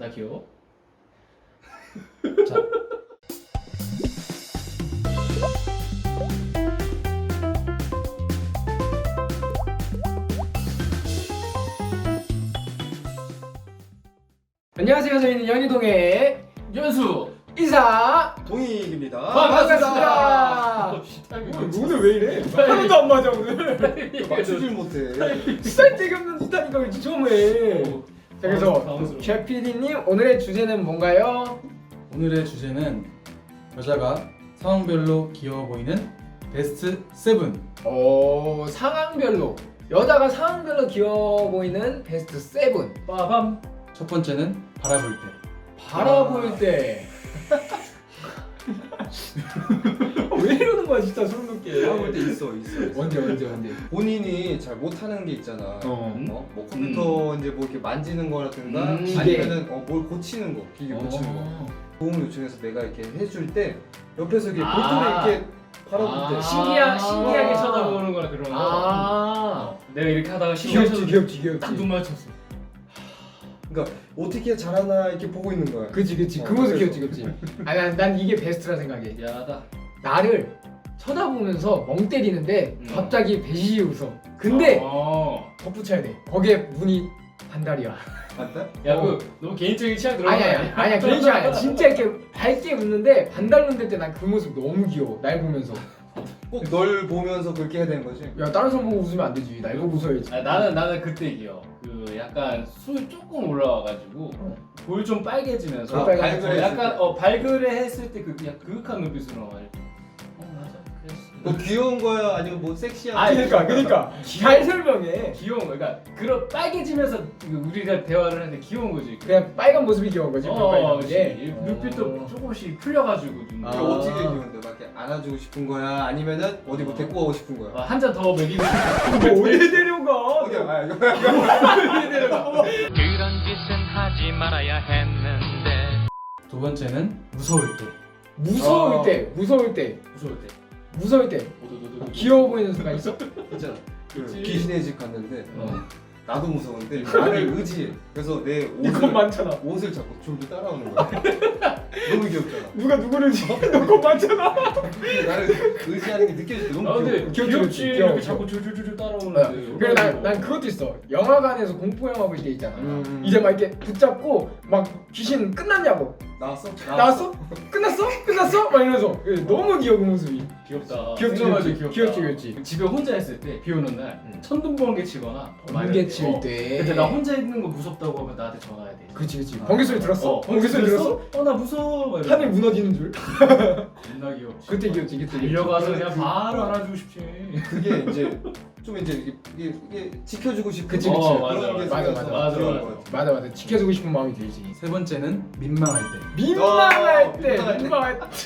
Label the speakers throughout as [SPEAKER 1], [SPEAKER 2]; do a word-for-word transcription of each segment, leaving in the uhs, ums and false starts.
[SPEAKER 1] 나 귀여워?
[SPEAKER 2] 자. 안녕하세요. 저희는 연희동의
[SPEAKER 1] 연수!
[SPEAKER 2] 이사
[SPEAKER 3] 동익입니다.
[SPEAKER 2] 반갑습니다. 오늘 왜 이래? 하나도 안 맞아 오늘.
[SPEAKER 3] 맞추질 못해.
[SPEAKER 2] 쓸데기 없는 짓하니까 왜 처음 해? 자, 그래서
[SPEAKER 1] 당황스러워.
[SPEAKER 2] 최 피디님 오늘의 주제는 뭔가요?
[SPEAKER 4] 오늘의 주제는 여자가 상황별로 귀여워 보이는 베스트 세븐.
[SPEAKER 2] 오, 상황별로 여자가 상황별로 귀여워 보이는 베스트 세븐.
[SPEAKER 1] 빠밤!
[SPEAKER 4] 첫 번째는 바라볼 때.
[SPEAKER 2] 바라볼 때. 왜 이러는 거야 진짜 소름 돋게.
[SPEAKER 3] 바라볼 때 있어, 있어. 있어.
[SPEAKER 2] 언제 언제 언제.
[SPEAKER 3] 본인이 잘 못하는 게 있잖아.
[SPEAKER 2] 어.
[SPEAKER 3] 어? 뭐 컴퓨터 이제 뭐 이렇게 만지는 거라든가
[SPEAKER 2] 음, 기계.
[SPEAKER 3] 아니면은 어, 뭘 고치는 거, 기계 고치는 거.
[SPEAKER 2] 어.
[SPEAKER 3] 도움을 요청해서 내가 이렇게 해줄 때 옆에서 이렇게
[SPEAKER 1] 아.
[SPEAKER 3] 볼트를 이렇게 바라볼 때
[SPEAKER 1] 아,
[SPEAKER 2] 신기하-
[SPEAKER 1] 신기하,
[SPEAKER 2] 신기하게
[SPEAKER 1] 신기하게 쳐다보는 거라 그런 거.
[SPEAKER 2] 아.
[SPEAKER 1] 내가 이렇게 하다가 신기하게
[SPEAKER 2] 귀엽지
[SPEAKER 1] 쳐다보고
[SPEAKER 2] 귀엽지 귀엽지.
[SPEAKER 1] 딱 눈 맞췄어.
[SPEAKER 3] 그러니까 어떻게 잘하나 이렇게 보고 있는 거야.
[SPEAKER 2] 그치 그치
[SPEAKER 3] 어,
[SPEAKER 2] 그 모습
[SPEAKER 3] 그래서.
[SPEAKER 2] 귀엽지 귀엽지. 아니 난, 난 이게 베스트라 생각해.
[SPEAKER 1] 야다.
[SPEAKER 2] 나를 쳐다보면서 멍 때리는데
[SPEAKER 1] 음.
[SPEAKER 2] 갑자기 배시시 웃어. 근데
[SPEAKER 1] 어.
[SPEAKER 2] 덧붙여야 돼. 거기에 문이 반달이야.
[SPEAKER 3] 맞다?
[SPEAKER 1] 야,
[SPEAKER 2] 어.
[SPEAKER 1] 그 너무 개인적인 취향 들어간
[SPEAKER 2] 아니야
[SPEAKER 1] 거
[SPEAKER 2] 아니야 아니야 그런 식 아니야. 진짜 이렇게 밝게 웃는데 반달 눈 뜰 때 난 그 모습 너무 귀여워. 날 보면서.
[SPEAKER 3] 꼭 널 보면서 그렇게 해야 되는 거지.
[SPEAKER 2] 야 다른 사람 보고 웃으면 안 되지. 날 보고 웃어야지.
[SPEAKER 1] 아, 나는 나는 그때 귀여워. 그 약간 술 조금 올라와가지고
[SPEAKER 2] 어.
[SPEAKER 1] 볼 좀 빨개지면서
[SPEAKER 3] 아,
[SPEAKER 2] 빨간
[SPEAKER 3] 발그레
[SPEAKER 1] 어,
[SPEAKER 3] 했을
[SPEAKER 1] 약간
[SPEAKER 3] 때.
[SPEAKER 1] 어 발그레 했을 때 그 그냥 그윽한 눈빛으로 나와. 어 맞아. 그랬어.
[SPEAKER 3] 뭐 귀여운 거야 아니면 뭐 섹시한
[SPEAKER 1] 아니,
[SPEAKER 2] 그러니까 그러니까 잘 설명해.
[SPEAKER 1] 귀여운 거. 그러니까 그런 빨개지면서 그 우리가 대화를 하는데 귀여운 거지.
[SPEAKER 2] 그냥 빨간 모습이 귀여운 거지.
[SPEAKER 1] 어,
[SPEAKER 2] 빨간
[SPEAKER 1] 그치.
[SPEAKER 2] 게.
[SPEAKER 1] 눈빛도
[SPEAKER 2] 어.
[SPEAKER 1] 조금씩 풀려가지고 눈.
[SPEAKER 2] 아.
[SPEAKER 3] 그럼 어떻게 귀여운데? 막 이렇게 안아주고 싶은 거야? 아니면은 어디 뭐 데리고 가고 싶은 거야?
[SPEAKER 1] 한 잔 더 먹이고 싶어.
[SPEAKER 2] 뭐 어디 데려가?
[SPEAKER 3] 어디 아 이거
[SPEAKER 5] 그런 짓은 하지 말아야 했는데
[SPEAKER 4] 두 번째는 무서울 때.
[SPEAKER 2] 무서울
[SPEAKER 1] 어.
[SPEAKER 2] 때, 무서울 때,
[SPEAKER 1] 무서울 때.
[SPEAKER 2] 무서울 때
[SPEAKER 1] 오도도도도.
[SPEAKER 2] 귀여워 보이는 순간 있어?
[SPEAKER 3] 있잖아. 그
[SPEAKER 1] 그치.
[SPEAKER 3] 귀신의 집 갔는데
[SPEAKER 1] 어.
[SPEAKER 3] 나도 무서운데 나를 의지해. 그래서 내
[SPEAKER 2] 이건
[SPEAKER 3] 옷을
[SPEAKER 2] 많잖아.
[SPEAKER 3] 옷을 잡고 줄줄 따라오는 거야. 너무 귀엽잖아.
[SPEAKER 2] 누가 누구를 지어? 너거 많잖아.
[SPEAKER 3] 나를 의지하는 게 느껴질 때
[SPEAKER 1] 아
[SPEAKER 3] 너무
[SPEAKER 1] 근데
[SPEAKER 3] 귀여워.
[SPEAKER 2] 귀엽지,
[SPEAKER 1] 귀엽지.
[SPEAKER 2] 귀엽지.
[SPEAKER 1] 이렇게
[SPEAKER 2] 귀여워.
[SPEAKER 1] 자꾸 줄줄줄줄 따라오는데.
[SPEAKER 2] 그래 난, 난 그것도 있어. 영화관에서 공포 영화 볼 때 있잖아.
[SPEAKER 3] 음.
[SPEAKER 2] 이제 막 이렇게 붙잡고 막 귀신 끝났냐고.
[SPEAKER 3] 나왔어?
[SPEAKER 2] 나왔어? 끝났어? 끝났어? 막 이러면서 너무 귀여워 그 모습이.
[SPEAKER 1] 귀엽다.
[SPEAKER 2] 귀엽지,
[SPEAKER 1] 생각하지,
[SPEAKER 2] 귀엽지.
[SPEAKER 1] 귀엽다.
[SPEAKER 2] 귀엽지, 귀엽지.
[SPEAKER 1] 집에 혼자 있을 때 비 오는 날
[SPEAKER 2] 응.
[SPEAKER 1] 천둥번개 치거나
[SPEAKER 2] 번개 칠 때.
[SPEAKER 1] 근데 나 혼자 있는 거 무섭다고 하면 나한테 전화해야 돼.
[SPEAKER 2] 그렇지 그렇지. 번개 소리 들었어?
[SPEAKER 1] 어,
[SPEAKER 2] 번개 소리 들었어?
[SPEAKER 1] 어나 무서워. 막 이러고.
[SPEAKER 2] 하늘 무너지는 줄.
[SPEAKER 1] 겁나 귀엽지.
[SPEAKER 2] 그때 귀엽지 그때. 귀엽지.
[SPEAKER 1] 달려가서 그냥 바로 안아주고 싶지.
[SPEAKER 3] 그게 이제 좀 이제 이게, 이게, 이게 지켜주고 싶은
[SPEAKER 2] 그치,
[SPEAKER 3] 거.
[SPEAKER 2] 그치.
[SPEAKER 1] 어,
[SPEAKER 3] 그런
[SPEAKER 1] 맞아,
[SPEAKER 3] 게
[SPEAKER 2] 맞아,
[SPEAKER 3] 생겨서
[SPEAKER 1] 맞아,
[SPEAKER 3] 귀여운
[SPEAKER 1] 맞아.
[SPEAKER 3] 거 같아.
[SPEAKER 2] 맞아 맞아. 지켜주고 싶은 마음이 들지.
[SPEAKER 4] 세 번째는 민망할 때.
[SPEAKER 2] 민망할
[SPEAKER 3] 어,
[SPEAKER 2] 때.
[SPEAKER 3] 민망할 때.
[SPEAKER 2] 민망할 때.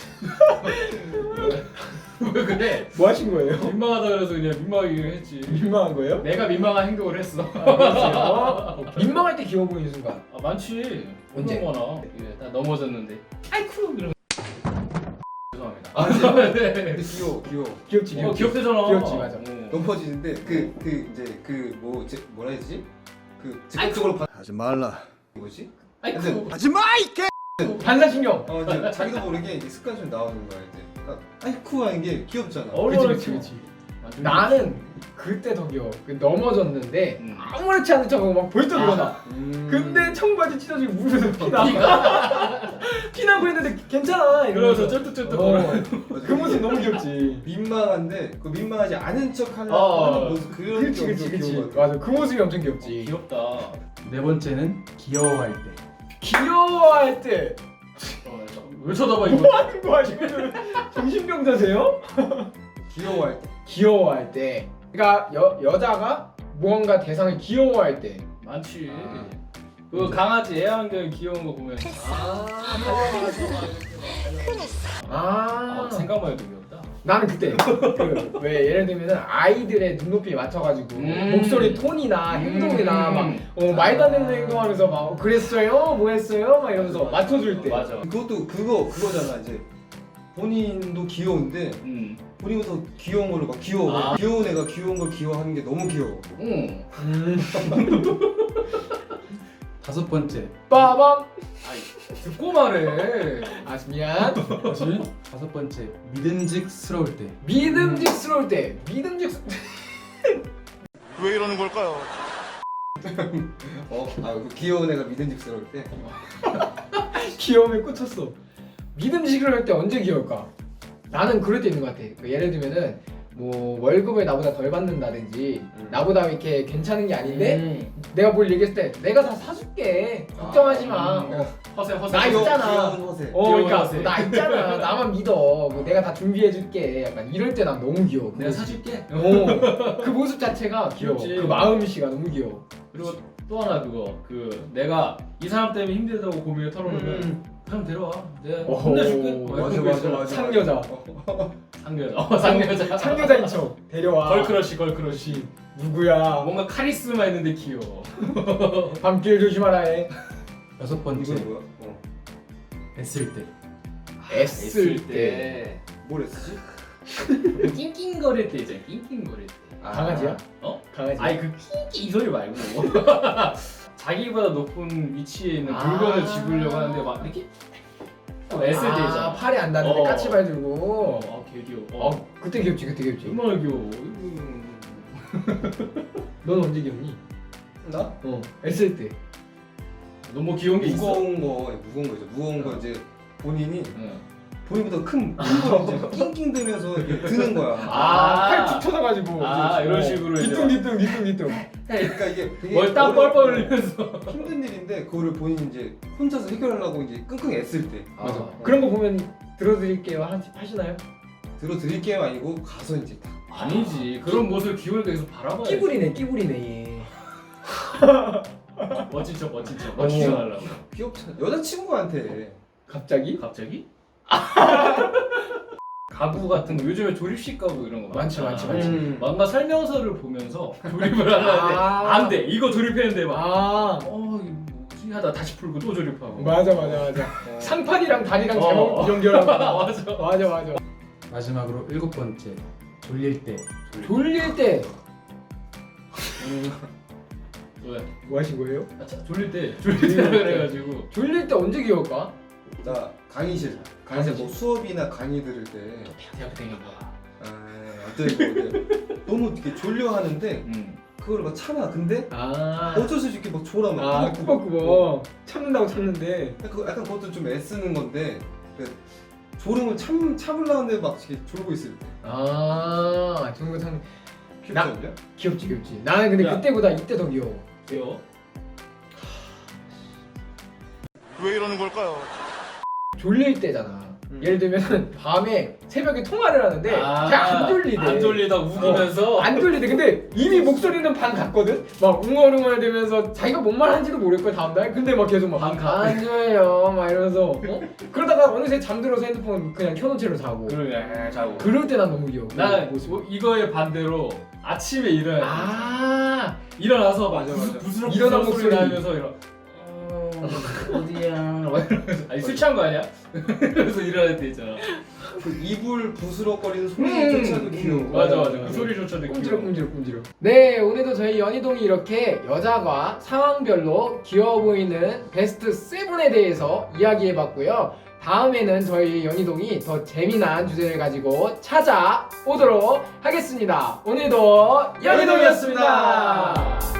[SPEAKER 1] 왜 그래?
[SPEAKER 2] 뭐 하신 거예요?
[SPEAKER 1] 민망하다 그래서 그냥 민망하게 했지.
[SPEAKER 2] 민망한 거예요?
[SPEAKER 1] 내가 민망한 행동을 했어.
[SPEAKER 2] 어? 민망할 때 귀여워 보이는 순간.
[SPEAKER 1] 아 많지.
[SPEAKER 2] 언제?
[SPEAKER 1] 그런 거나. 이게 딱 넘어졌는데. 아이쿠 이러면. 죄송합니다.
[SPEAKER 3] 아, 근데,
[SPEAKER 1] 네.
[SPEAKER 3] 근데 귀여워, 귀여워.
[SPEAKER 2] 귀엽지
[SPEAKER 1] 어
[SPEAKER 2] 귀엽지.
[SPEAKER 1] 귀엽대잖아.
[SPEAKER 2] 귀엽지, 맞아.
[SPEAKER 1] 어.
[SPEAKER 3] 넘어지는데 그 그 이제 그 뭐 뭐라 해야지? 그 즉각적으로 받는
[SPEAKER 6] 하지 말라.
[SPEAKER 3] 거지?
[SPEAKER 1] 아이쿠.
[SPEAKER 3] 근데
[SPEAKER 6] 하지 마, 이 개!
[SPEAKER 2] 반사신경.
[SPEAKER 3] 어 이제 자기도 모르게 이제 습관처럼 나오는 거야 이제. 그러니까 아이쿠 하는 게 귀엽잖아.
[SPEAKER 2] 그치 그치 그치. 나는 그때 더 귀여워. 그 넘어졌는데
[SPEAKER 1] 음.
[SPEAKER 2] 아무렇지 않은 척하고 막 벌떡 일어나.
[SPEAKER 3] 음.
[SPEAKER 2] 근데 청바지 찢어지고 무릎에서 피나. 피나고 있는데 괜찮아.
[SPEAKER 1] 그래서
[SPEAKER 2] 이러면서.
[SPEAKER 1] 쩔뚝쩔뚝
[SPEAKER 2] 어.
[SPEAKER 1] 거려.
[SPEAKER 2] 그 모습 너무 귀엽지.
[SPEAKER 3] 민망한데 그 민망하지 않은 척 하려고
[SPEAKER 1] 어.
[SPEAKER 3] 하는 모습 그런
[SPEAKER 2] 그치
[SPEAKER 3] 게
[SPEAKER 2] 그치
[SPEAKER 3] 엄청
[SPEAKER 2] 그치.
[SPEAKER 3] 귀여운 것 같아.
[SPEAKER 2] 맞아. 그 모습이 엄청 귀엽지.
[SPEAKER 1] 귀엽다.
[SPEAKER 4] 네 번째는 귀여워할 때.
[SPEAKER 2] 귀여워할 때
[SPEAKER 1] 어, 왜 쳐다봐 이거?
[SPEAKER 2] 뭐 하는 거야 지금? 정신병자세요?
[SPEAKER 3] 귀여워할 때.
[SPEAKER 2] 귀여워할 때. 그러니까 여 여자가 무언가 대상을 귀여워할 때.
[SPEAKER 1] 많지.
[SPEAKER 3] 아.
[SPEAKER 1] 그 강아지 애완견 귀여운 거 보면 아,
[SPEAKER 2] 아.
[SPEAKER 1] 아 생각만 해도 귀엽다.
[SPEAKER 2] 나는 그때 그 왜 예를 들면은 아이들의 눈높이에 맞춰가지고
[SPEAKER 1] 음.
[SPEAKER 2] 목소리 톤이나 행동이나
[SPEAKER 1] 음.
[SPEAKER 2] 막 어, 말도 안 되는 행동하면서 막 어, 그랬어요? 뭐 했어요? 막 이러면서 맞춰줄 때.
[SPEAKER 1] 맞아.
[SPEAKER 3] 그것도 그거 그거잖아 이제 본인도 귀여운데
[SPEAKER 1] 음.
[SPEAKER 3] 본인보다 더 귀여운 걸로 막 귀여워.
[SPEAKER 1] 아.
[SPEAKER 3] 귀여운 애가 귀여운 걸 귀여워하는 게 너무 귀여워.
[SPEAKER 1] 응.
[SPEAKER 2] 음.
[SPEAKER 4] 다섯 번째.
[SPEAKER 2] 빠밤.
[SPEAKER 1] 아이 듣고 말해.
[SPEAKER 2] 아 미안.
[SPEAKER 4] 다시 다섯 번째. 믿음직스러울 때.
[SPEAKER 2] 믿음직스러울 때. 믿음직.
[SPEAKER 6] 왜 이러는 걸까요?
[SPEAKER 3] 어, 아, 그 귀여운 애가 믿음직스러울 때.
[SPEAKER 2] 귀여움에 꽂혔어. 믿음직스러울 때 언제 귀여울까? 나는 그럴 때 있는 것 같아. 그 예를 들면은 뭐 월급을 나보다 덜 받는다든지
[SPEAKER 3] 음.
[SPEAKER 2] 나보다 이렇게 괜찮은 게 아닌데
[SPEAKER 1] 음.
[SPEAKER 2] 내가 뭘 얘기했을 때 내가 다 사줄게. 걱정하지 마.
[SPEAKER 1] 음.
[SPEAKER 2] 어.
[SPEAKER 1] 허세 허세.
[SPEAKER 2] 나
[SPEAKER 3] 귀여-
[SPEAKER 2] 있잖아.
[SPEAKER 3] 귀여운 허세.
[SPEAKER 2] 어, 그러니까
[SPEAKER 1] 귀여운 허세.
[SPEAKER 2] 나 있잖아. 나만 믿어. 뭐 내가 다 준비해줄게. 약간 이럴 때 난 너무 귀여워. 그
[SPEAKER 1] 내가
[SPEAKER 2] 모습.
[SPEAKER 1] 사줄게.
[SPEAKER 2] 어, 그 모습 자체가 귀여워.
[SPEAKER 1] 귀엽지.
[SPEAKER 2] 그 마음씨가 너무 귀여워.
[SPEAKER 1] 그리고 또 하나 그거 그 내가 이 사람 때문에 힘들다고 고민을 털어놓으면
[SPEAKER 2] 음.
[SPEAKER 1] 그 사람 데려와. 내가
[SPEAKER 2] 오,
[SPEAKER 1] 혼내줄게.
[SPEAKER 3] 맞아, 맞아, 맞아.
[SPEAKER 2] 상여자.
[SPEAKER 1] 상여자. 어, 상여자.
[SPEAKER 2] 상여자인 척 데려와.
[SPEAKER 1] 걸크러쉬 걸크러쉬.
[SPEAKER 2] 누구야?
[SPEAKER 1] 뭔가 카리스마 있는데 귀여워.
[SPEAKER 2] 밤길 조심하라 해.
[SPEAKER 4] 여섯 번째.
[SPEAKER 3] 이건 뭐야? 어.
[SPEAKER 4] 애쓸 때.
[SPEAKER 2] 애쓸 때.
[SPEAKER 3] 뭘 했지?
[SPEAKER 1] 낑낑거릴 때 있잖아. 낑낑거릴 때.
[SPEAKER 2] 강아지야?
[SPEAKER 1] 어?
[SPEAKER 2] 강아지.
[SPEAKER 1] 아니 그 낑낑 이 소리 말고 자기보다 높은 위치에 있는 물건을
[SPEAKER 2] 아.
[SPEAKER 1] 집으려고 하는데 막 이렇게 또 애쓸 때
[SPEAKER 2] 아,
[SPEAKER 1] 있잖아.
[SPEAKER 2] 팔이 안 닿는데
[SPEAKER 1] 어.
[SPEAKER 2] 까치발 들고.
[SPEAKER 1] 어, 개 귀여워.
[SPEAKER 2] 어,
[SPEAKER 1] 어,
[SPEAKER 2] 그때 귀엽지, 그때 귀엽지.
[SPEAKER 1] 얼마나 귀여워. 음.
[SPEAKER 2] 넌 언제 귀엽니?
[SPEAKER 3] 나?
[SPEAKER 2] 어, 애쓸 때.
[SPEAKER 1] 너무 귀여운 게 있어?
[SPEAKER 3] 무거운 거, 무거운 거죠. 무거운 거 이제 본인이
[SPEAKER 1] 응.
[SPEAKER 3] 본인보다 큰 물건 이제 낑낑 대면서 이렇게 드는 거야.
[SPEAKER 2] 아,
[SPEAKER 1] 아.
[SPEAKER 2] 팔 툭 쳐져가지고.
[SPEAKER 1] 아, 이런 식으로 이제
[SPEAKER 2] 뒤뚱, 뒤뚱, 뒤뚱, 뒤뚱.
[SPEAKER 3] 그러니까 이게 되게
[SPEAKER 1] 뭘땀
[SPEAKER 3] 어려운
[SPEAKER 1] 뻘뻘 흘리면서.
[SPEAKER 3] 힘든 일인데 그거를 본인이 이제 혼자서 해결하려고 이제 끙끙 애쓸 때.
[SPEAKER 2] 맞아.
[SPEAKER 3] 어.
[SPEAKER 2] 그런 거 보면 들어드릴게요. 하, 하시나요?
[SPEAKER 3] 들어드릴게요 아니고 가서 이제 딱.
[SPEAKER 1] 아니지. 그런 모습을 귀여우니까 계속 바라봐야지.
[SPEAKER 2] 끼부리네, 끼부리네, 얘.
[SPEAKER 1] 멋진 척 멋진 척.
[SPEAKER 2] 어.
[SPEAKER 1] 멋진 척 하려고.
[SPEAKER 3] 귀엽잖아. 여자친구한테.
[SPEAKER 2] 갑자기?
[SPEAKER 1] 갑자기? 가구 같은 거 요즘에 조립식 가구 이런 거
[SPEAKER 2] 많지,
[SPEAKER 1] 많잖아.
[SPEAKER 2] 많지, 많지.
[SPEAKER 3] 음.
[SPEAKER 1] 뭔가 설명서를 보면서 조립을 하려는데
[SPEAKER 2] 아.
[SPEAKER 1] 안 돼. 이거 조립했는데 막
[SPEAKER 2] 아,
[SPEAKER 1] 어, 이거 뭐지 하다 다시 풀고 또 조립하고.
[SPEAKER 2] 맞아, 맞아, 맞아.
[SPEAKER 3] 어.
[SPEAKER 2] 상판이랑 다리랑
[SPEAKER 1] 어.
[SPEAKER 2] 잘못 연결하고.
[SPEAKER 1] 맞아.
[SPEAKER 2] 맞아, 맞아.
[SPEAKER 4] 마지막으로 일곱 번째. 졸릴 때.
[SPEAKER 2] 졸릴 때
[SPEAKER 1] 왜?
[SPEAKER 2] 뭐 하신 거예요?
[SPEAKER 1] 아, 자, 졸릴 때 졸릴 때 그래가지고
[SPEAKER 2] 졸릴 때 언제 귀여울까?
[SPEAKER 3] 나 강의실. 강의실 뭐 수업이나 강의 들을 때.
[SPEAKER 1] 대학 다니는 거야.
[SPEAKER 3] 아, 어떤 거 너무 이렇게 졸려 하는데
[SPEAKER 1] 음.
[SPEAKER 3] 그걸 막 참아. 근데
[SPEAKER 2] 아,
[SPEAKER 3] 어쩔 수 없이 이렇게 막 졸아 막.
[SPEAKER 2] 아,
[SPEAKER 3] 꾸벅꾸벅.
[SPEAKER 2] 꾸벅꾸벅 참는다고 참는데.
[SPEAKER 3] 그 약간 그것도 좀 애쓰는 건데 그 졸음을 참 참으려는데 막 이렇게 졸고 있을 때.
[SPEAKER 2] 아, 좋은 거 참
[SPEAKER 3] 귀엽지
[SPEAKER 2] 나-
[SPEAKER 3] 않냐?
[SPEAKER 2] 귀엽지, 귀엽지. 나는 근데
[SPEAKER 1] 야.
[SPEAKER 2] 그때보다 이때 더 귀여워.
[SPEAKER 1] 귀여워.
[SPEAKER 6] 왜 이러는 걸까요?
[SPEAKER 2] 졸릴 때잖아.
[SPEAKER 3] 음.
[SPEAKER 2] 예를 들면 밤에 새벽에 통화를 하는데
[SPEAKER 1] 아,
[SPEAKER 2] 그냥 안 졸리대.
[SPEAKER 1] 안 졸리다 우기면서.
[SPEAKER 2] 안 졸리대. 근데 이미 목소리는 반 갔거든. 막 웅얼웅얼 되면서 자기가 뭔 말 한지도 모를 거야 다음 날. 근데 막 계속
[SPEAKER 1] 반 가.
[SPEAKER 2] 막안 졸려 막 이러면서 어? 그러다가 어느새 잠들어서 핸드폰 그냥 켜놓은 채로 자고.
[SPEAKER 1] 그러게 자고.
[SPEAKER 2] 그럴 때 난 너무 귀여워.
[SPEAKER 1] 난
[SPEAKER 2] 그 모습.
[SPEAKER 1] 뭐 이거의 반대로 아침에 일어나
[SPEAKER 2] 아,
[SPEAKER 1] 일어나서 막
[SPEAKER 3] 맞아,
[SPEAKER 1] 부스-
[SPEAKER 3] 맞아.
[SPEAKER 1] 부스럭
[SPEAKER 2] 일어난
[SPEAKER 1] 부스럭 소리
[SPEAKER 2] 목소리.
[SPEAKER 1] 나면서 이러. 어, 어디야? 막 이러면서. 아니 술 취한 거 아니야? 그래서 일어날 때 있잖아.
[SPEAKER 3] 그 이불 부스럭거리는
[SPEAKER 2] 음,
[SPEAKER 3] 소리조차도
[SPEAKER 2] 음,
[SPEAKER 3] 귀여워.
[SPEAKER 1] 맞아 맞아. 그 소리조차도 귀여워.
[SPEAKER 2] 꼼지럭꼼지럭 꼼지럭. 네, 오늘도 저희 연희동이 이렇게 여자가 상황별로 귀여워 보이는 베스트 칠에 대해서 이야기해봤고요. 다음에는 저희 연희동이 더 재미난 주제를 가지고 찾아오도록 하겠습니다. 오늘도 연희동이었습니다.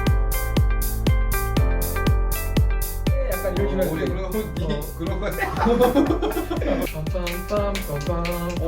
[SPEAKER 2] 네, 약간 이런 식으로
[SPEAKER 3] 우리
[SPEAKER 2] 했어요.
[SPEAKER 3] 그런 거 니 그런 거
[SPEAKER 2] 빰빰빰빰빰